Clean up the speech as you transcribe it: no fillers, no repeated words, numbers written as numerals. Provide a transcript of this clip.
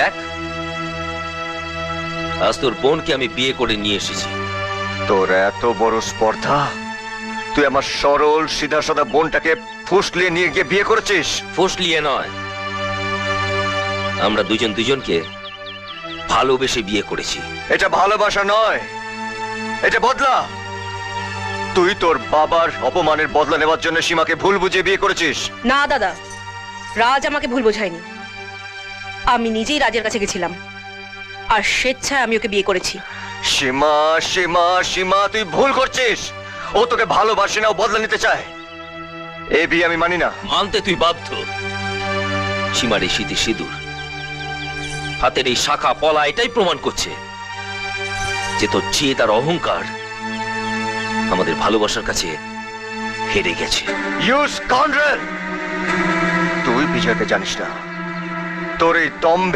দেখ, আজ তোর বোনকে আমি বিয়ে করে নিয়ে এসেছি। তোর এত বড় স্পর্ধা, তুই আমার সরল সিধা সাদা বোনটাকে ফুসলিয়ে নিয়ে গিয়ে বিয়ে করেছিস? ফসলিয়ে নয়, আমরা দুজন দুজনকে ভালোবেসে বিয়ে করেছি। এটা ভালোবাসা নয়, এটা বদলা। তুই তোর বাবার অপমানের বদলা নেওয়ার জন্য সীমাকে ভুল বুঝিয়ে বিয়ে করেছিস। না দাদা, রাজ আমাকে ভুল বোঝায়নি। আমি নিজেই রাজের কাছে গেছিলাম, আর স্বেচ্ছায় আমি ওকে বিয়ে করেছি। সীমা, সীমা, সীমা, তুই ভুল করছিস। ও তোকে ভালোবাসে না, ও বদলা নিতে চায়। এই বিয়ে আমি মানি না। মানতে তুই বাধ্য। সীমার এই স্মৃতি সিঁদুর, হাতের এই শাখা পলা এটাই প্রমাণ করছে যে তোর জেদ আর অহংকার আমাদের ভালোবাসার কাছে হেরে গেছে। You scoundrel! তুই বিজয়কে জানিস না। তোর এই দম